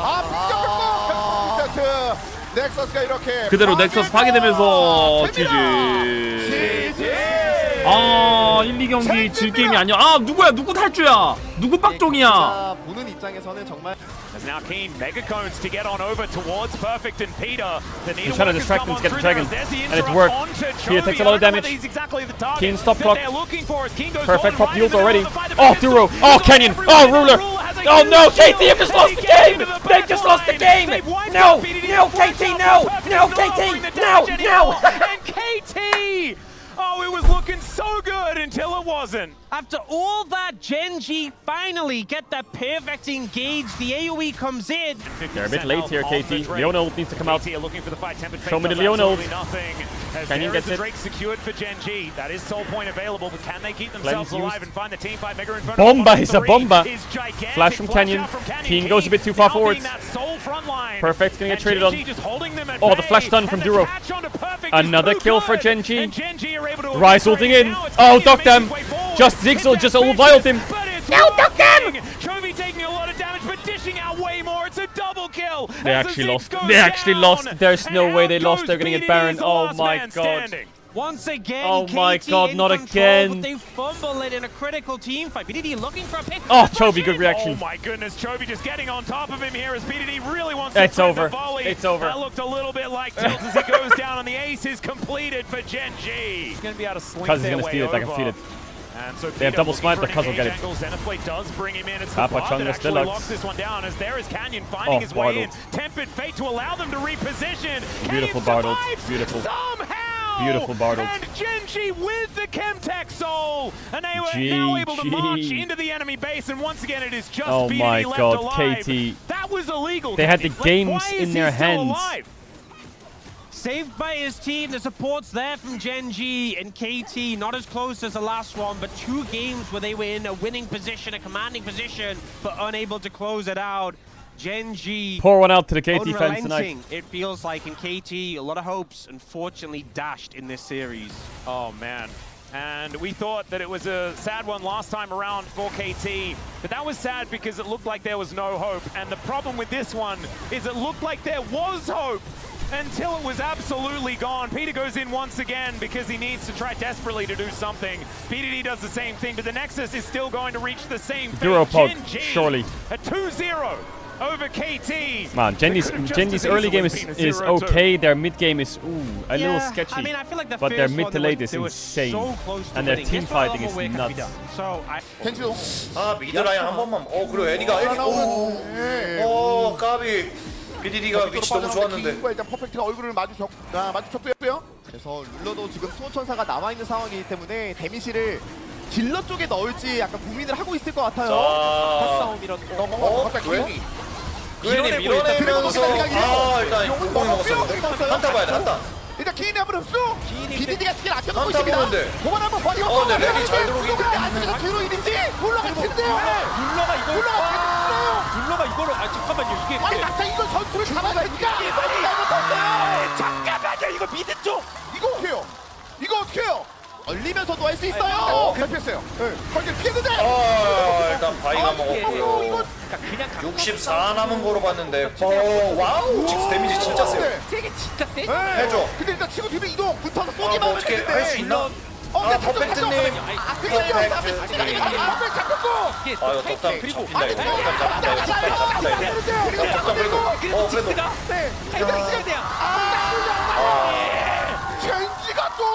Speaker 1: 아 빈정 세트. 넥서스가 이렇게
Speaker 2: 그대로 넥서스 파괴되면서 지지. 아 일, 이 경기 질 게임이 아니야. 아 누구야 누구 탈주야 누구 빡종이야.
Speaker 4: 자, 보는 입장에서는 정말
Speaker 9: As now Keen megacones to get on over towards Perfect and Peter. The
Speaker 10: He's trying to distract him to get the dragon, and it's
Speaker 9: worked.
Speaker 10: worked. Peter takes a lot of damage. Keen stop clock. Perfect pop ult already. Oh, Duro. Oh, Canyon. Oh, Ruler. Oh no, K T have just lost the game. They've just lost the game. No, no, K T, no, no, K T, no, no.
Speaker 9: And K T! Oh, it was looking so good until it wasn't.
Speaker 11: After all that, Genji finally get that perfect engage. The AoE comes in.
Speaker 10: They're a bit late here, K T. Leona ult needs to come out.
Speaker 9: K T are looking for the fight. Tempered
Speaker 10: Show me
Speaker 9: Fate
Speaker 10: the
Speaker 9: does
Speaker 10: Leona ult.
Speaker 9: absolutely nothing. As
Speaker 10: Canyon
Speaker 9: there is
Speaker 10: gets
Speaker 9: the
Speaker 10: it.
Speaker 9: Drake secured for Genji. That is soul point available, but can they keep themselves
Speaker 10: Cleanse
Speaker 9: alive
Speaker 10: used.
Speaker 9: and find the team fight? Mega Inferno
Speaker 10: Bomba
Speaker 9: on
Speaker 10: is a
Speaker 9: three
Speaker 10: bomba.
Speaker 9: is gigantic.
Speaker 10: Flash from Canyon.
Speaker 9: out from Canyon.
Speaker 10: Keen goes a bit too far
Speaker 9: now
Speaker 10: forwards.
Speaker 9: being that sole front line.
Speaker 10: Perfect's gonna get
Speaker 9: And
Speaker 10: traded
Speaker 9: Genji
Speaker 10: on.
Speaker 9: just holding them at
Speaker 10: Oh, the
Speaker 9: bay.
Speaker 10: flash stun from
Speaker 9: And the
Speaker 10: Duro.
Speaker 9: catch onto Perfect is
Speaker 10: Another
Speaker 9: too
Speaker 10: kill for
Speaker 9: good.
Speaker 10: Genji.
Speaker 9: And Genji are able to
Speaker 10: Rise
Speaker 9: avoid
Speaker 10: ulting in.
Speaker 9: now. It's
Speaker 10: Oh,
Speaker 9: Canyon
Speaker 10: duck
Speaker 9: making
Speaker 10: them.
Speaker 9: his way forward.
Speaker 10: Just
Speaker 9: Hit
Speaker 10: Zigzal
Speaker 9: that
Speaker 10: just all
Speaker 9: vicious,
Speaker 10: violed him.
Speaker 9: but it's
Speaker 10: No, duck them!
Speaker 9: working. Chovy taking a lot of damage, but dishing out way more. It's a double kill.
Speaker 10: They
Speaker 9: as the
Speaker 10: actually
Speaker 9: Ziggs
Speaker 10: lost.
Speaker 9: goes
Speaker 10: They actually
Speaker 9: down.
Speaker 10: lost. There's no
Speaker 9: And
Speaker 10: way
Speaker 9: out
Speaker 10: they lost.
Speaker 9: goes
Speaker 10: They're gonna get
Speaker 9: P D D,
Speaker 10: Baron.
Speaker 9: the
Speaker 10: Oh
Speaker 9: last
Speaker 10: my
Speaker 9: man
Speaker 10: god.
Speaker 9: standing.
Speaker 11: Once again,
Speaker 10: Oh my
Speaker 11: K T
Speaker 10: god,
Speaker 11: in
Speaker 10: not
Speaker 11: control,
Speaker 10: again.
Speaker 11: But they fumble it in a critical team fight. P D D looking for a pick.
Speaker 10: Oh, Chovy, good reaction.
Speaker 9: Oh my goodness, Chovy just getting on top of him here as P D D really wants
Speaker 10: It's
Speaker 9: to find
Speaker 10: over.
Speaker 9: the volley.
Speaker 10: It's over.
Speaker 9: That looked a little bit like tilt as he goes down, and the ace is completed for Genji. He's going to be able to slink
Speaker 10: Cuz he's
Speaker 9: their
Speaker 10: gonna
Speaker 9: way
Speaker 10: steal it. I can
Speaker 9: over.
Speaker 10: feel it.
Speaker 9: And so
Speaker 10: They have
Speaker 9: Peter
Speaker 10: double
Speaker 9: looking
Speaker 10: smite,
Speaker 9: for
Speaker 10: but
Speaker 9: an
Speaker 10: Cuz will get it.
Speaker 9: engage angle. Xenoblade does bring him in. It's
Speaker 10: Papa
Speaker 9: the Bard
Speaker 10: Chunga
Speaker 9: that
Speaker 10: still
Speaker 9: actually
Speaker 10: out.
Speaker 9: locks this one down as there is Canyon finding
Speaker 10: Oh,
Speaker 9: his way in.
Speaker 10: Bartled.
Speaker 9: Tempered Fate to allow them to reposition.
Speaker 10: Beautiful
Speaker 9: Canyon
Speaker 10: Bartled.
Speaker 9: survives
Speaker 10: Beautiful.
Speaker 9: somehow.
Speaker 10: Beautiful Bartled.
Speaker 9: And Genji with the Chemtech soul. And they were
Speaker 10: G
Speaker 9: now able to
Speaker 10: G.
Speaker 9: march into the enemy base. And once again, it is just
Speaker 10: Oh
Speaker 9: B D D
Speaker 10: my
Speaker 9: left
Speaker 10: god,
Speaker 9: alive.
Speaker 10: K T.
Speaker 9: That was illegal.
Speaker 10: They had the
Speaker 9: Like,
Speaker 10: games
Speaker 9: why is
Speaker 10: in
Speaker 9: he
Speaker 10: their
Speaker 9: still
Speaker 10: hands.
Speaker 9: alive?
Speaker 11: Saved by his team, the support's there from Genji and K T, not as close as the last one, but two games where they were in a winning position, a commanding position, but unable to close it out. Genji,
Speaker 10: Pour one out to the K T fans tonight.
Speaker 11: unrelenting, it feels like, in K T, a lot of hopes, unfortunately dashed in this series.
Speaker 9: Oh man. And we thought that it was a sad one last time around for K T, but that was sad because it looked like there was no hope. And the problem with this one is it looked like there was hope until it was absolutely gone. Peter goes in once again because he needs to try desperately to do something. P D D does the same thing, but the Nexus is still going to reach the same fate.
Speaker 10: Duro pod,
Speaker 9: Genji,
Speaker 10: surely.
Speaker 9: a two zero over K T.
Speaker 10: Man, Genji's,
Speaker 9: It could've just
Speaker 10: Genji's
Speaker 9: as
Speaker 10: early game
Speaker 9: easily
Speaker 10: is,
Speaker 9: been a
Speaker 10: is
Speaker 9: zero two.
Speaker 10: okay. Their mid game is ooh a little
Speaker 11: Yeah,
Speaker 10: sketchy.
Speaker 11: I mean, I feel like the
Speaker 10: but their
Speaker 11: first
Speaker 10: mid
Speaker 11: one,
Speaker 10: to
Speaker 11: they
Speaker 10: late
Speaker 11: were-
Speaker 10: is
Speaker 11: they were
Speaker 10: insane.
Speaker 11: so close to
Speaker 10: And their
Speaker 11: winning.
Speaker 10: team
Speaker 11: This one, a lot
Speaker 10: fighting
Speaker 11: more
Speaker 10: is
Speaker 11: work can be
Speaker 10: nuts.
Speaker 11: done. So I,
Speaker 1: 켄지도
Speaker 8: 아 미드 라인 한 번만. 어 그리고 애니가 애니.
Speaker 1: 예.
Speaker 8: 오 까비. 비디디가 위치 너무 좋았는데.
Speaker 1: 기인과 일단 퍼펙트가 얼굴을 마주쳤 아, 마주쳤고요.
Speaker 4: 그래서 룰러도 지금 수호천사가 남아있는 상황이기 때문에 데미지를 딜러 쪽에 넣을지 약간 고민을 하고 있을 것 같아요.
Speaker 8: 자.
Speaker 3: 싸움이라도.
Speaker 8: 어 그웬이. 그웬이 밀어내면서 아 일단 공공이 먹었었는데. 한타 봐야 돼 한타.
Speaker 1: 일단 기인이 한번 흡수. 비디디가 스킬 아껴놓고
Speaker 8: 한타
Speaker 1: 있습니다.
Speaker 8: 보는데.
Speaker 1: 그만 한번 버리고.
Speaker 8: 어, 근데 랩이 잘 들어오긴
Speaker 1: 근데 안쪽에서 뒤로 이리지 올라갈 텐데요.
Speaker 3: 룰러가 이걸
Speaker 1: 올라가.
Speaker 3: 룰러가 이거를 아 잠깐만요 이게
Speaker 1: 아니 막상 이걸 전투를 잡아가니까 빨리 잘못했어요.
Speaker 3: 잠깐만요 이거 미드 쪽.
Speaker 1: 이거 어떻게 해요? 이거 어떻게 해요?
Speaker 4: 얼리면서도 할 수
Speaker 1: 어,
Speaker 4: 있어요.
Speaker 1: 그냥 피했어요. 네. 거기 피했는데.
Speaker 8: 아 일단 바이가
Speaker 1: 이거
Speaker 8: 먹었고.
Speaker 1: 이거
Speaker 3: 그러니까 그냥 각-
Speaker 8: 육십사 남은 거로 봤는데. 어 와우. 직스 데미지 진짜 세요.
Speaker 3: 세게 진짜 세.
Speaker 1: 네.
Speaker 8: 해줘.
Speaker 1: 근데 일단 치고 뒤로 이동.
Speaker 4: 붙어서
Speaker 8: 아,
Speaker 4: 쏘기만
Speaker 8: 뭐
Speaker 4: 하면
Speaker 8: 어떻게
Speaker 4: 되는데.
Speaker 8: 할 수 있나?
Speaker 1: 어,
Speaker 8: 아
Speaker 1: 근데
Speaker 8: 퍼펙트님.
Speaker 1: 아, 그게 아니라
Speaker 8: 퍼펙트.
Speaker 1: 시간이 앞에 잡혔고.
Speaker 3: 이게
Speaker 8: 아 이거 덕담
Speaker 3: 그리고
Speaker 8: 잡힌다 이거. 덕담 잡힌다 이거. 덕담 잡힌다 이거. 덕담 그래도. 어 그래도.
Speaker 1: 네.
Speaker 3: 타이밍 찍어야 돼요.
Speaker 1: 젠지가 또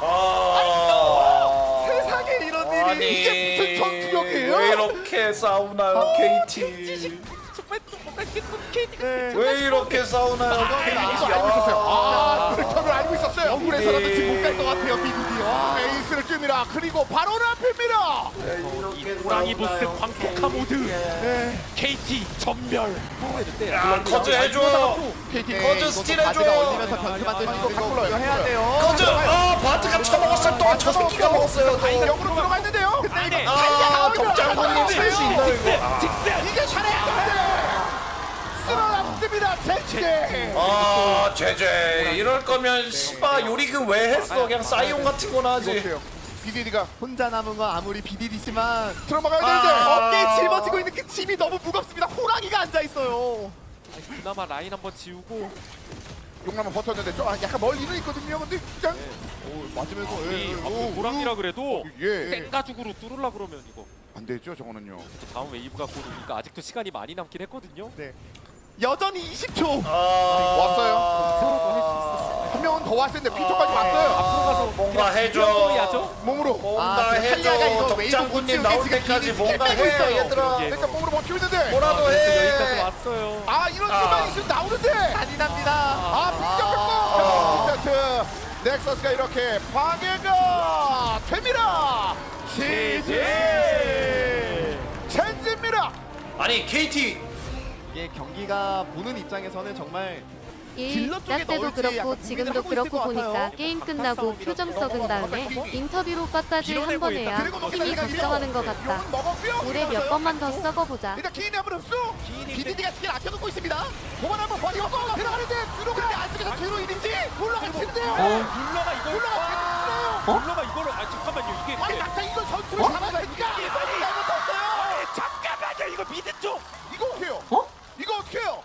Speaker 8: 아.
Speaker 1: 세상에 이런 일이
Speaker 8: 아니,
Speaker 1: 이게 무슨 전투력이에요?
Speaker 8: 왜 이렇게 싸우나요, 케이티?
Speaker 3: 정말 또 뭔가 이게 또
Speaker 8: 왜 이렇게 싸우나요?
Speaker 1: 이거 알고 있었어요. 아, 빅터를 알고 있었어요. 억울해서라도 지금 못 갈 것 같아요. 비비디. 와, 에이스를 뜹니다. 그리고 바로 앞입니다.
Speaker 3: 호랑이 보스 광폭화 모드.
Speaker 1: 네.
Speaker 3: 케이티 전멸.
Speaker 8: 야, 커즈 해줘.
Speaker 4: 케이티
Speaker 8: 커즈 스틸 해줘.
Speaker 4: 올리면서 변수 만들고 이거 이거 해야 돼요.
Speaker 8: 커즈. 아, 바트가 쳐먹었을 동안 저 새끼가 먹었어요. 또.
Speaker 1: 역으로 들어갔는데요. 근데
Speaker 8: 아, 덕장군님 살 수 있나 이거?
Speaker 1: 이게 잘해야 쓸어놨습니다. 젠제.
Speaker 8: 아, 제제. 이럴 거면 씨바 요리금 왜 했어? 그냥 싸이온 같은 거나 하지.
Speaker 1: 비디디가
Speaker 4: 혼자 남은 건 아무리 비디디지만
Speaker 1: 들어가야 되는데
Speaker 8: 아.
Speaker 4: 어깨에 짊어지고 있는 그 짐이 너무 무겁습니다. 호랑이가 앉아 있어요.
Speaker 3: 그나마 라인 한번 지우고
Speaker 1: 용남은 버텼는데 좀 약간 멀리는 있거든요. 근데 그냥
Speaker 3: 오,
Speaker 1: 맞으면서
Speaker 3: 이
Speaker 1: 예,
Speaker 3: 앞으로
Speaker 1: 오,
Speaker 3: 호랑이라 그래도
Speaker 1: 예.
Speaker 3: 생가죽으로 뚫으려 그러면 이거
Speaker 1: 안 되죠, 저거는요.
Speaker 3: 다음 웨이브가 곧 오니까 아직도 시간이 많이 남긴 했거든요.
Speaker 4: 네. 여전히 이십 초.
Speaker 8: 아,
Speaker 1: 왔어요. 한 명은 더 왔을 텐데 피터까지 왔어요.
Speaker 3: 앞으로 가서
Speaker 8: 뭔가
Speaker 3: 그냥
Speaker 8: 해줘.
Speaker 3: 비벼야죠.
Speaker 1: 몸으로.
Speaker 8: 뭔가
Speaker 4: 아, 그 탈리아가 이거
Speaker 8: 해줘.
Speaker 4: 웨이브
Speaker 8: 덕장군님
Speaker 4: 못
Speaker 8: 나올
Speaker 4: 지우게
Speaker 8: 때까지
Speaker 4: 지금
Speaker 8: 뭔가
Speaker 4: 빼고
Speaker 8: 해,
Speaker 4: 있어요.
Speaker 8: 얘들아.
Speaker 1: 일단 몸으로 버티고 있는데.
Speaker 8: 뭐라도
Speaker 3: 그래서
Speaker 8: 해.
Speaker 3: 여기까지 왔어요.
Speaker 1: 아, 이런
Speaker 8: 아.
Speaker 1: 수만 있으면 나오는데.
Speaker 4: 잔인합니다.
Speaker 1: 아, 빅격했고. 세트. 넥서스가 이렇게 방해가 됩니다. 지지. 젠지입니다.
Speaker 8: 아니 케이티
Speaker 4: 이게 경기가 보는 입장에서는 정말
Speaker 7: 일,
Speaker 4: 딜러 쪽에
Speaker 7: 나 때도
Speaker 4: 넣을지
Speaker 7: 그렇고
Speaker 4: 약간
Speaker 7: 지금도
Speaker 4: 고민을 하고
Speaker 7: 그렇고
Speaker 4: 있을 것
Speaker 7: 보니까
Speaker 4: 같아요.
Speaker 7: 게임 끝나고 표정 썩은 다음에 인터뷰로 끝까지 한 번 해야 팀이 걱정하는 것 같다.
Speaker 1: 용은 먹었고요.
Speaker 7: 올해 몇 번만 더 썩어보자.
Speaker 1: 일단 기인이 한번 흡수. 비디디가 스킬 아껴놓고 있습니다. 도만 한번 버리고 들어가는데 들어가는데 안쪽에서 뒤로 이리지 올라가 치는데요.
Speaker 3: 룰러가 이걸
Speaker 1: 올라가
Speaker 3: 어? 룰러가 이거를 아 잠깐만요 이게
Speaker 1: 아니 막타 이걸 전투를 잡아야 되니까 빨리 잘못했어요.
Speaker 3: 잠깐만요 이거 미드 쪽
Speaker 1: 이거 어떻게 해요?
Speaker 5: 어?
Speaker 1: 이거 어떻게 해요?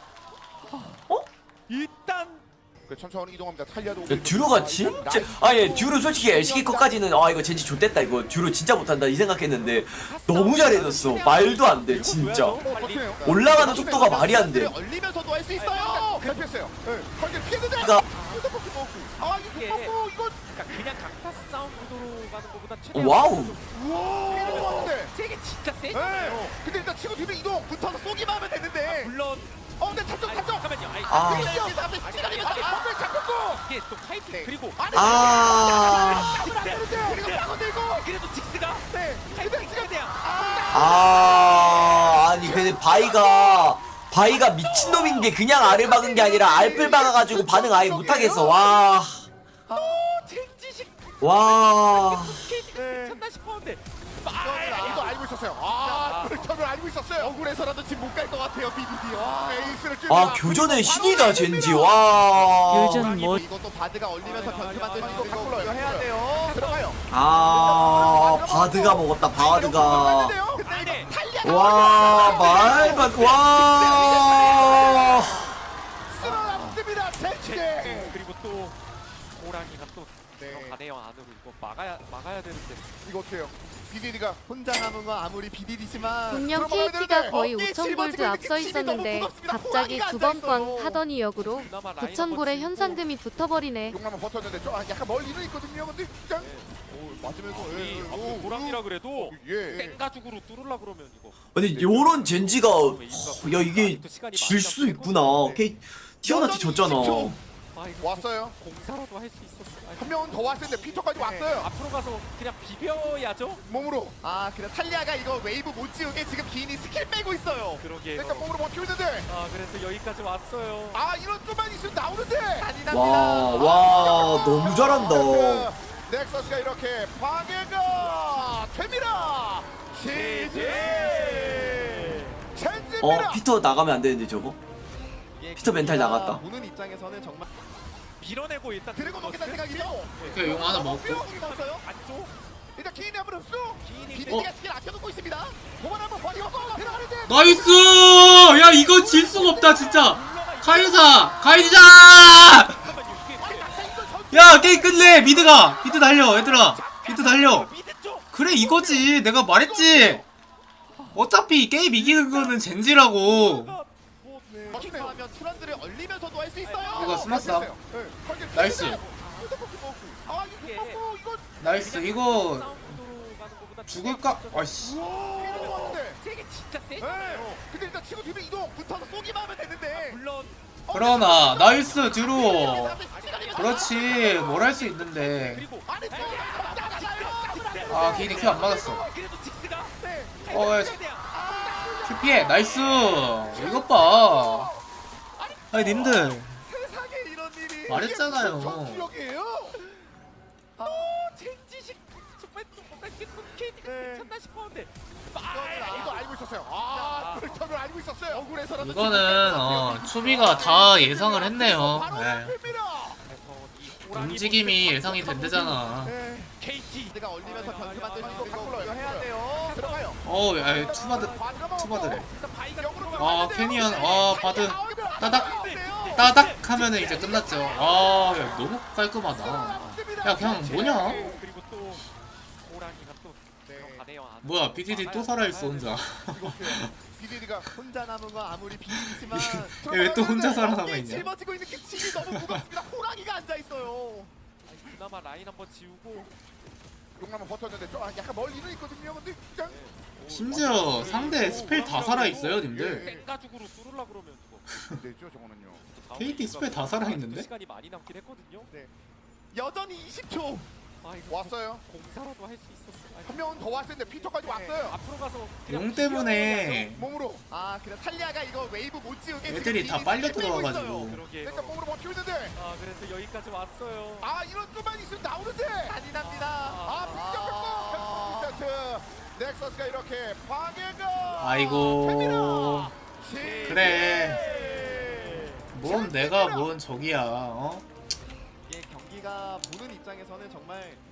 Speaker 3: 일단
Speaker 1: 그 천천히 이동합니다. 탈리아도
Speaker 5: 야, 듀로가 진짜 아예 듀로 솔직히 엘시키 컷까지는 아 이거 젠지 좆됐다 이거 듀로 진짜 못한다 이 생각했는데 너무 잘해줬어. 말도 안 돼 진짜. 올라가는 속도가 말이 안 돼.
Speaker 1: 얼리면서도 할 수 있어요. 대피했어요. 네. 관계 피했는데.
Speaker 5: 그러니까
Speaker 1: 아 이거 먹고 이거
Speaker 3: 그러니까 그냥 강타 싸움 구도로 가는 것보다 최대한
Speaker 5: 와우.
Speaker 1: 우와. 피는 거 같은데.
Speaker 3: 세게 진짜
Speaker 1: 네.
Speaker 3: 세잖아요.
Speaker 1: 근데 일단 치고 뒤로 이동.
Speaker 4: 붙어서 쏘기만 하면 되는데.
Speaker 3: 물론
Speaker 1: 어 근데 탑쪽 탑쪽.
Speaker 3: 잠깐만요. 아니,
Speaker 5: 아.
Speaker 3: 아니,
Speaker 1: 이게 앞에 시간이 많아. 앞에 잡혔고.
Speaker 3: 이게 또 카이트 그리고
Speaker 5: 아.
Speaker 1: 잡으면 안 되는데. 그리고 빠고 들고.
Speaker 3: 그래도 직스가
Speaker 1: 네. 근데 지금
Speaker 3: 그냥
Speaker 5: 아 아니 근데 바이가 바이가 미친놈인 게 그냥 알을 박은 게 아니라 알을 박아가지고 반응 아예 못하겠어. 와.
Speaker 3: 젠지식
Speaker 5: 와.
Speaker 3: 케이티가 괜찮나 싶었는데
Speaker 1: 이거 알고 있었어요. 아, 빅터를 알고 있었어요.
Speaker 4: 억울해서라도 지금 못 갈 것 같아요. 비디디.
Speaker 1: 아, 에이스를
Speaker 5: 아 교전의 신이다 젠지. 와.
Speaker 4: 이것도 바드가 얼리면서 변수 만들고 이거 이거 이거 해야 돼요.
Speaker 1: 들어가요.
Speaker 5: 아 바드가 먹었다 바드가.
Speaker 1: 근데
Speaker 5: 와 말만 와.
Speaker 1: 쓸어놨습니다. 젠지.
Speaker 3: 그리고 또 호랑이가 또
Speaker 1: 네.
Speaker 3: 들어가네요 안으로 이거 막아야 막아야 되는데
Speaker 1: 이거 어때요? 비디디가
Speaker 4: 혼자 남은 건 아무리 비디디지만
Speaker 7: 분명
Speaker 1: 들어가야
Speaker 7: 케이티가
Speaker 1: 되는데
Speaker 7: 거의
Speaker 4: 어깨에
Speaker 7: 오천 골드
Speaker 4: 짊어지고
Speaker 7: 앞서
Speaker 4: 있는 그 짐이 너무
Speaker 7: 있었는데
Speaker 4: 무겁습니다.
Speaker 7: 갑자기
Speaker 4: 호랑이가
Speaker 7: 두 번
Speaker 4: 앉아있어요.
Speaker 7: 꽝 하더니 역으로
Speaker 3: 그나마 라인
Speaker 7: 구천
Speaker 3: 한번
Speaker 7: 골의
Speaker 3: 치고
Speaker 7: 현상금이 붙어버리네.
Speaker 1: 용남은 버텼는데 좀 약간 멀리는 있거든요. 근데 그냥
Speaker 3: 오,
Speaker 1: 맞으면서
Speaker 3: 이
Speaker 1: 예,
Speaker 3: 앞으로
Speaker 1: 오,
Speaker 3: 호랑이라 그래도
Speaker 1: 예.
Speaker 3: 생가죽으로 뚫으려 그러면 이거
Speaker 5: 아니 요런 젠지가 허, 야 이게 질 수도 있구나. 케이 티어나티 졌잖아.
Speaker 3: 아, 이거
Speaker 1: 왔어요.
Speaker 3: 공사라도 할 수 있었어. 아,
Speaker 1: 한 명은 더 왔을 텐데 피터까지 왔어요.
Speaker 3: 앞으로 가서 그냥 비벼야죠.
Speaker 1: 몸으로.
Speaker 4: 아 그래 탈리아가 이거 웨이브 못 지우게 지금 기인이 스킬 빼고 있어요.
Speaker 3: 그러게.
Speaker 1: 일단 몸으로 버티고 있는데.
Speaker 3: 아 그래서 여기까지 왔어요.
Speaker 1: 아 이런 좀만 있으면 나오는데.
Speaker 4: 잔인합니다.
Speaker 5: 와 와 너무 잘한다.
Speaker 1: 넥서스가 이렇게 방해가 됩니다. 지지. 젠지입니다.
Speaker 5: 어 피터 나가면 안 되는데 저거.
Speaker 4: 이게
Speaker 5: 피터 멘탈
Speaker 4: 경기가
Speaker 5: 나갔다.
Speaker 4: 보는 입장에서는 정말
Speaker 3: 밀어내고 일단
Speaker 1: 드래곤 먹겠다는 생각이죠.
Speaker 6: 그 용 하나 먹고.
Speaker 1: 먹었어요.
Speaker 3: 안쪽.
Speaker 1: 일단 기인이 한번 흡수.
Speaker 3: 기인이
Speaker 1: 비디디가 스킬 아껴놓고 있습니다. 도만 한번 버리고 들어가는데.
Speaker 6: 나이스! 야 이거 질 수가 없다 진짜. 카이사, 카이자!
Speaker 3: 잠깐만요. 이게
Speaker 6: 야 게임 끝내. 미드가 미드 달려 얘들아. 미드 달려.
Speaker 3: 미드 쪽.
Speaker 6: 그래 이거지. 내가 말했지. 어차피 게임 이기는 거는 젠지라고.
Speaker 4: 하면 트런드를 얼리면서도 할 수 있어요.
Speaker 6: 이거 스마스다. 나이스.
Speaker 1: 아 이거 먹고 이거
Speaker 6: 나이스. 이거 죽을까? 아이씨.
Speaker 1: 피는 것 같은데.
Speaker 3: 세게 진짜
Speaker 1: 네.
Speaker 3: 세잖아요.
Speaker 1: 근데 일단 치고 뒤로 이동.
Speaker 4: 붙어서 쏘기만 하면 되는데.
Speaker 3: 물론
Speaker 6: 그러나 나이스 듀로. 그렇지 뭘 할 수 있는데.
Speaker 3: 그리고
Speaker 6: 아 개인이 큐 안 맞았어.
Speaker 3: 그래도 직스가
Speaker 6: 어 야, 큐 피해. 나이스. 이것 봐. 아니 님들
Speaker 1: 세상에 이런 일이.
Speaker 6: 말했잖아요.
Speaker 1: 이게 무슨 전투력이에요?
Speaker 3: 아 젠지식 정말 또 뺏기고 케이티가 괜찮나 싶었는데
Speaker 1: 아, 이거 알고 있었어요. 아, 불턴을 알고 있었어요. 억울해서라도
Speaker 6: 이거는 어 추비가 다 예상을 했네요.
Speaker 1: 바로
Speaker 6: 네.
Speaker 1: 앞입니다.
Speaker 6: 움직임이 예상이 된대잖아.
Speaker 3: 케이티
Speaker 4: 가 얼리면서 변수 만들 수 있는 거
Speaker 1: 바꿀어요.
Speaker 4: 이거 해야 돼요.
Speaker 1: 들어가요.
Speaker 6: 어우 야 투바드 투바드래. 아
Speaker 1: 아
Speaker 6: 캐니언 아 바드 따닥 따닥 하면은 이제 끝났죠. 아야 너무 깔끔하다. 야 그냥 뭐냐?
Speaker 3: 그리고 또 호랑이가 또 들어가네요. 안
Speaker 6: 뭐야 비디디 또 살아있어 혼자.
Speaker 1: 비디디가
Speaker 4: 혼자 남은 건 아무리 비밀이지만
Speaker 6: 왜 또 혼자 살아남아 있냐?
Speaker 4: 짊어지고 있는 게 짐이 너무 무겁습니다. 호랑이가 앉아 있어요.
Speaker 3: 그나마 라인 한번 지우고
Speaker 1: 용남은 버텼는데 좀 약간 멀리는 있거든요. 근데 그냥
Speaker 6: 심지어 상대 스펠 다 살아있어요 님들.
Speaker 3: 생가죽으로 뚫으려 그러면 이거
Speaker 1: 되죠 저거는요.
Speaker 6: 케이티 스펠 다 살아있는데?
Speaker 3: 시간이 많이 남긴 했거든요.
Speaker 4: 네. 여전히 이십 초.
Speaker 3: 아 이거
Speaker 1: 왔어요.
Speaker 3: 공사라도 할 수 있었어.
Speaker 1: 한 명은 더 왔을 텐데 피터까지 왔어요.
Speaker 3: 앞으로 가서 그냥
Speaker 6: 용 때문에
Speaker 1: 몸으로.
Speaker 4: 아 그래 탈리아가 이거 웨이브 못 지우게
Speaker 6: 애들이 다 빨려 들어와가지고.
Speaker 3: 그러게요.
Speaker 1: 일단 몸으로 버티고 있는데.
Speaker 3: 아 그래서 여기까지 왔어요.
Speaker 1: 아 이런 것만 있으면 나오는데.
Speaker 4: 잔인합니다.
Speaker 1: 아 빈정 뺏고 세트. 넥서스가 이렇게 방해가.
Speaker 6: 아이고
Speaker 1: 됩니다.
Speaker 6: 그래. 뭔 내가 뭔 적이야. 어?
Speaker 4: 이게 경기가 보는 입장에서는 정말